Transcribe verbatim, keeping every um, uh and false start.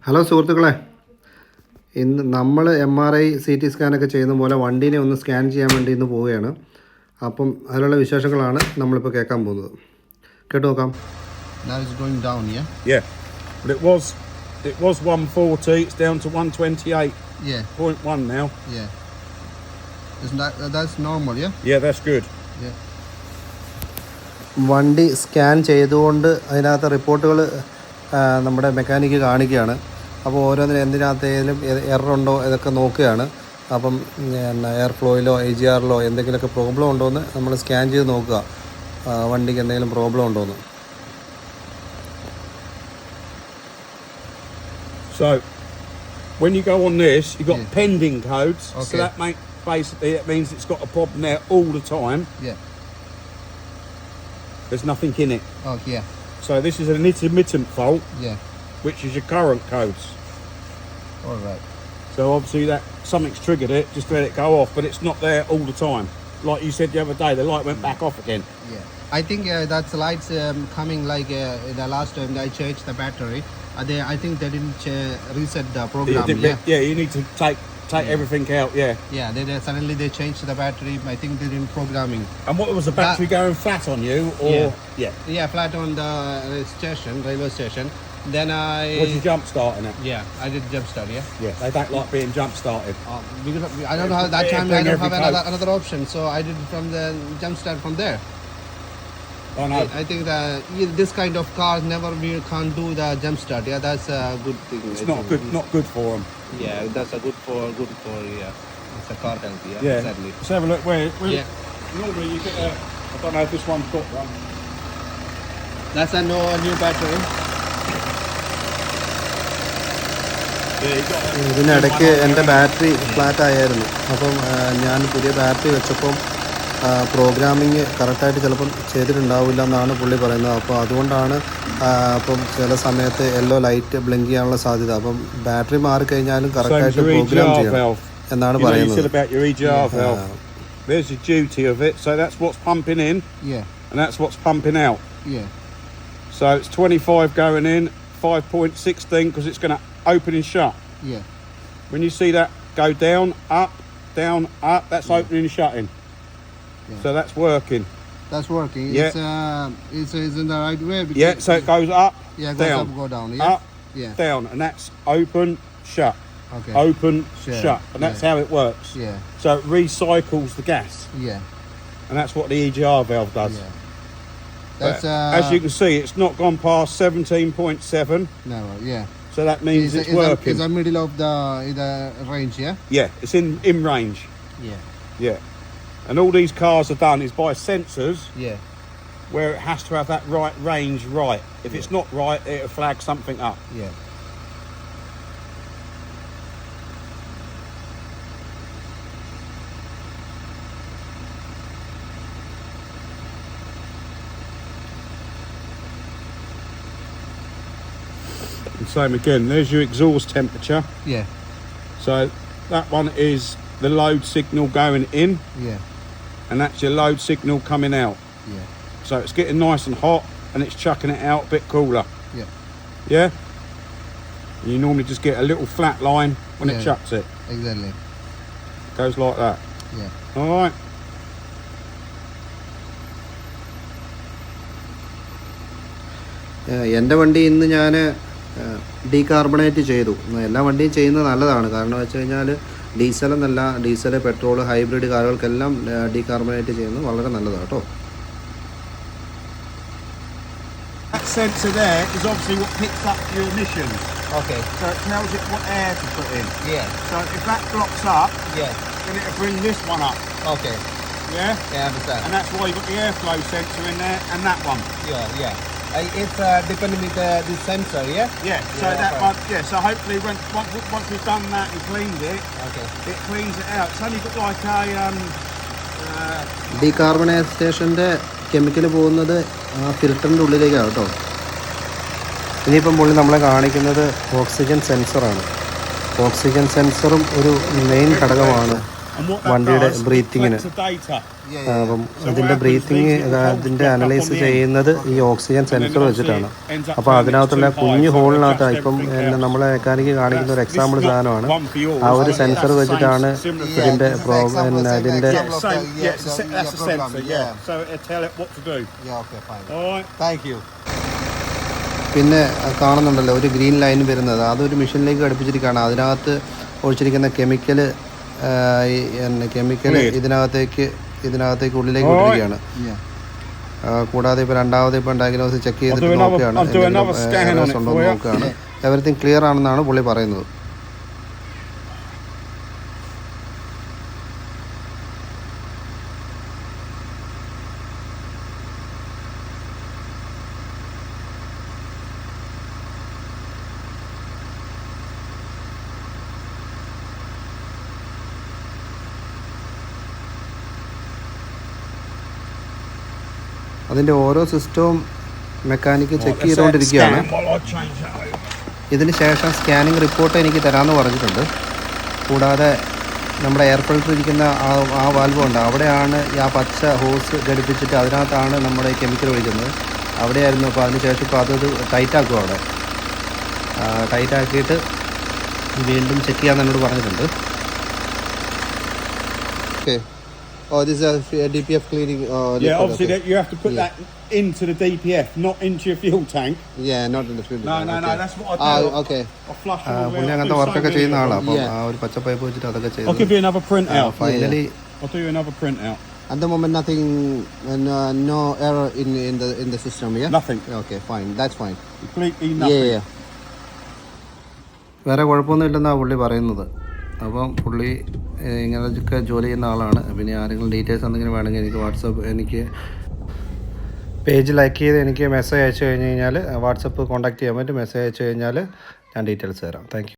Hello സുഹൃത്തുക്കളെ, ഇന്ന് നമ്മൾ M R I C T സ്കാനൊക്കെ ചെയ്യുന്ന പോലെ വണ്ടീനെ ഒന്ന് സ്കാൻ ചെയ്യാൻ വേണ്ടി ഇന്ന് പോവുകയാണ്. അപ്പം അതിലുള്ള വിശേഷങ്ങളാണ് നമ്മളിപ്പോൾ കേൾക്കാൻ പോകുന്നത്. കേട്ട് നോക്കാം. Now it's going down, yeah? Yeah, but it was it was one forty. It's down to one twenty-eight point one Yeah. now. Yeah. Isn't that uh, that's normal, yeah? Yeah, that's good. Yeah. വണ്ടി scan ചെയ്തുകൊണ്ട് അതിനകത്ത് റിപ്പോർട്ടുകൾ നമ്മുടെ mechanic കാണിക്കുകയാണ്. അപ്പോൾ ഓരോന്നിനും എന്തിനകത്തേലും എററുണ്ടോ ഇതൊക്കെ നോക്കുകയാണ്. അപ്പം പിന്നെ എയർ ഫ്ലോയിലോ എ ജി ആറിലോ എന്തെങ്കിലുമൊക്കെ പ്രോബ്ലം ഉണ്ടോ എന്ന് നമ്മൾ സ്കാൻ ചെയ്ത് നോക്കുക, വണ്ടിക്ക് എന്തെങ്കിലും പ്രോബ്ലം ഉണ്ടോ എന്ന്. So, when you go on this, you've got Yeah. pending codes. Okay. So that make, basically it means it's got a problem there all the time. Yeah. There's nothing in it. Oh, yeah. So this is an intermittent fault, Yeah. which is your current codes. All right. So obviously that something's triggered it, just let it go off, but it's not there all the time. Like you said the other day, the light went back off again. Yeah. I think uh, that's lights um, coming like uh, the last time I changed the battery. Uh, they, I think they didn't ch- reset the program. Yeah, Yeah. yeah, you need to take take Yeah. everything out. Yeah. Yeah. They, they suddenly they changed the battery. I think they didn't programming. And what was the battery That- going flat on you, or Yeah. yeah? Yeah, flat on the uh, station, railway station. Then I. Was you jump starting it? Yeah, I did jump start. Yeah. Yeah, they don't like being jump started. Uh, because I don't know how that Yeah, time I bring don't have every another, coat. another option, so I did from the jump start from there. I know. I, I think that yeah, this kind of cars never we can't do the jump start. Yeah, that's a good thing. It's I not think. good. Not good for them. Yeah, that's a good for good for yeah. It's a car health. Yeah, Yeah. exactly. Let's have a look. Where? where Yeah, Normally you get a. I don't know if this one's got one. that's a no new battery. Yeah, you got. A, ഇതിനിടയ്ക്ക് എൻ്റെ battery flat ആയിരുന്നു. അപ്പം ഞാൻ പുതിയ battery വെച്ചപ്പം programming കറക്റ്റായിട്ട് ചിലപ്പം ചെയ്തിട്ടുണ്ടാവില്ല എന്നാണ് പുള്ളി പറയുന്നത്. അപ്പോൾ അതുകൊണ്ടാണ് അപ്പം ചില സമയത്ത് യെല്ലോ ലൈറ്റ് ബ്ലിങ്ക് ചെയ്യാനുള്ള സാധ്യത. അപ്പം ബാറ്ററി മാറിക്കഴിഞ്ഞാലും Same കറക്റ്റായിട്ട് as your E G program R ചെയ്യണം valve. എന്നാണ് You know, you പറയുന്നത്. said about your E G R valve. There's the duty of it. So that's what's pumping in, Yeah, and that's what's pumping out. yeah, So it's twenty-five going in, five point one six because it's going to open and shut. yeah, When you see that go down, up, down, up, that's Yeah. opening and shutting. Yeah. So that's working. that's working. Yeah. It's uh, it's, it's in the right way. Because Yeah, so it goes up, yeah, goes down, up, go down. Yeah, up, yeah. down, and that's open, shut, Okay. open, Sure. shut, and that's Yeah. how it works. Yeah, So it recycles the gas, yeah, and that's what the E G R valve does. yeah. That's But uh. as you can see, it's not gone past seventeen point seven, Never, yeah. so that means It's, it's, it's, working. A, it's a middle of the the range, yeah. Yeah, it's in in range. Yeah, Yeah, and all these cars are done is by sensors yeah, where it has to have that right range right. If it's not right, it'll flag something up. yeah. And same again, there's your exhaust temperature. Yeah, So that one is the load signal going in, yeah, and that's your load signal coming out. yeah, So it's getting nice and hot, and it's chucking it out a bit cooler. yeah. Yeah? And you normally just get a little flat line when Yeah. it chucks it. Exactly. Goes like that. Yeah. Alright? എൻ്റെ വണ്ടി ഇന്ന് ഞാൻ ഡീകാർബണേറ്റ് ചെയ്തു. എല്ലാ വണ്ടിയും ചെയ്യുന്നത് നല്ലതാണ്. കാരണം വെച്ച് കഴിഞ്ഞാൽ ഡീസൽ എന്നല്ല, ഡീസൽ, പെട്രോൾ, ഹൈബ്രിഡ് കാറുകൾക്കെല്ലാം ഡീകാർബണേറ്റ് ചെയ്യുന്നത് വളരെ നല്ലതാണ് കേട്ടോ. That sensor there is obviously what picks up your emissions. Okay. So it tells it what air to put in. Yeah. So if that blocks up, Yeah. then it'll bring this one up. Okay. Yeah? Yeah, I understand. And that's why you've got the airflow sensor in there and that one. Yeah, yeah. Uh, it's uh, depending with uh, the sensor, yeah. Yeah, so Yeah, that okay. one, yeah, so hopefully when, once, once we've done that and cleaned it, Okay. it cleans it out. It's only got like a, um, uh, ഡീകാർബണൈസേഷൻ്റെ chemical പോകുന്നത് ആ ഫിൽറ്ററിൻ്റെ ഉള്ളിലേക്കാണ് കേട്ടോ. ഇനിയിപ്പം പുള്ളി നമ്മളെ കാണിക്കുന്നത് oxygen സെൻസറാണ്. Oxygen സെൻസറും ഒരു main ഘടകമാണ് And what that വണ്ടിയുടെ does, it ബ്രീത്തിങ്ങിന്. collects the data. അപ്പം ഇതിൻ്റെ ബ്രീത്തിങ് അതിൻ്റെ അനലൈസ് ചെയ്യുന്നത് ഈ ഓക്സിജൻ സെൻസർ വെച്ചിട്ടാണ്. അപ്പോൾ അതിനകത്തുള്ള കുഞ്ഞു ഹോളിനകത്ത് ഇപ്പം നമ്മളെ മെക്കാനിക്ക് കാണിക്കുന്ന ഒരു എക്സാമ്പിൾ സാധനമാണ്. ആ ഒരു സെൻസർ വെച്ചിട്ടാണ് ഇതിൻ്റെ പ്രോഗ്രാം ഇതിൻ്റെ പിന്നെ കാണുന്നുണ്ടല്ലോ ഒരു ഗ്രീൻ ലൈൻ വരുന്നത്, അതൊരു മെഷീനിലേക്ക് ഘടിപ്പിച്ചിരിക്കുകയാണ്. അതിനകത്ത് ഒഴിച്ചിരിക്കുന്ന കെമിക്കൽ കെമിക്കൽ ഇതിനകത്തേക്ക് ഇതിനകത്തേക്ക് ഉള്ളിലേക്ക് ഇട്ടിരിക്കുകയാണ്. കൂടാതെ ഇപ്പോൾ രണ്ടാമത് ഇപ്പോൾ ഡയഗ്നോസ് ചെക്ക് ചെയ്തിട്ട് നോക്കുകയാണ്, ഉണ്ടോ നോക്കുകയാണ്. എവറിത്തിങ് ക്ലിയർ ആണെന്നാണ് പുള്ളി പറയുന്നത്. അതിൻ്റെ ഓരോ സിസ്റ്റവും മെക്കാനിക്ക് ചെക്ക് ചെയ്തുകൊണ്ടിരിക്കുകയാണ്. ഇതിന് ശേഷം സ്കാനിങ് റിപ്പോർട്ട് എനിക്ക് തരാമെന്ന് പറഞ്ഞിട്ടുണ്ട്. കൂടാതെ നമ്മുടെ എയർ ഫിൽറ്റർ ഇരിക്കുന്ന ആ ആ വാൽവ് ഉണ്ട്, അവിടെയാണ് ആ പച്ച ഹോസ് ഘടിപ്പിച്ചിട്ട് അതിനകത്താണ് നമ്മുടെ ഈ കെമിക്കൽ ഒഴിക്കുന്നത്. അവിടെയായിരുന്നു. അപ്പോൾ അതിന് ശേഷം ഇപ്പോൾ അതൊരു ടൈറ്റാക്കും. അവിടെ ടൈറ്റാക്കിയിട്ട് വീണ്ടും ചെക്ക് ചെയ്യാൻ എന്നോട് പറഞ്ഞിട്ടുണ്ട്. Okay. Oh, this is a D P F cleaning. Uh, yeah, liquid, obviously okay. that you have to put Yeah. that into the D P F, not into your fuel tank. Yeah, not in the filter. No, no, okay. no. That's what I do. Ah, okay. I flush them all പുള്ളി out. അങ്ങനത്തെ വർക്കൊക്കെ ചെയ്യുന്ന ആളാണ്. അപ്പം Yeah. ആ ഒരു പച്ച pipe വെച്ചിട്ട് അതൊക്കെ I'll ചെയ്തു. give you another printout. Finally I'll do you another printout. At the moment, nothing, uh, no, no error in in the in the system. Yeah. Nothing. Okay, fine. That's fine. Completely Yeah, nothing. yeah. വേറെ കുഴപ്പമൊന്നും ഇല്ലെന്നാണ് പുള്ളി പറയുന്നത്. അപ്പം പുള്ളി ഇങ്ങനെയൊക്കെ ജോലി ചെയ്യുന്ന ആളാണ്. പിന്നെ ആരെങ്കിലും ഡീറ്റെയിൽസ് എന്തെങ്കിലും വേണമെങ്കിൽ എനിക്ക് വാട്സപ്പ് എനിക്ക് പേജ് ലൈക്ക് ചെയ്ത് എനിക്ക് മെസ്സേജ് അയച്ചു കഴിഞ്ഞ് കഴിഞ്ഞാൽ വാട്സപ്പ് കോൺടാക്ട് ചെയ്യാൻ പറ്റും. മെസ്സേജ് അയച്ചു കഴിഞ്ഞാൽ ഞാൻ ഡീറ്റെയിൽസ് തരാം. Thank U.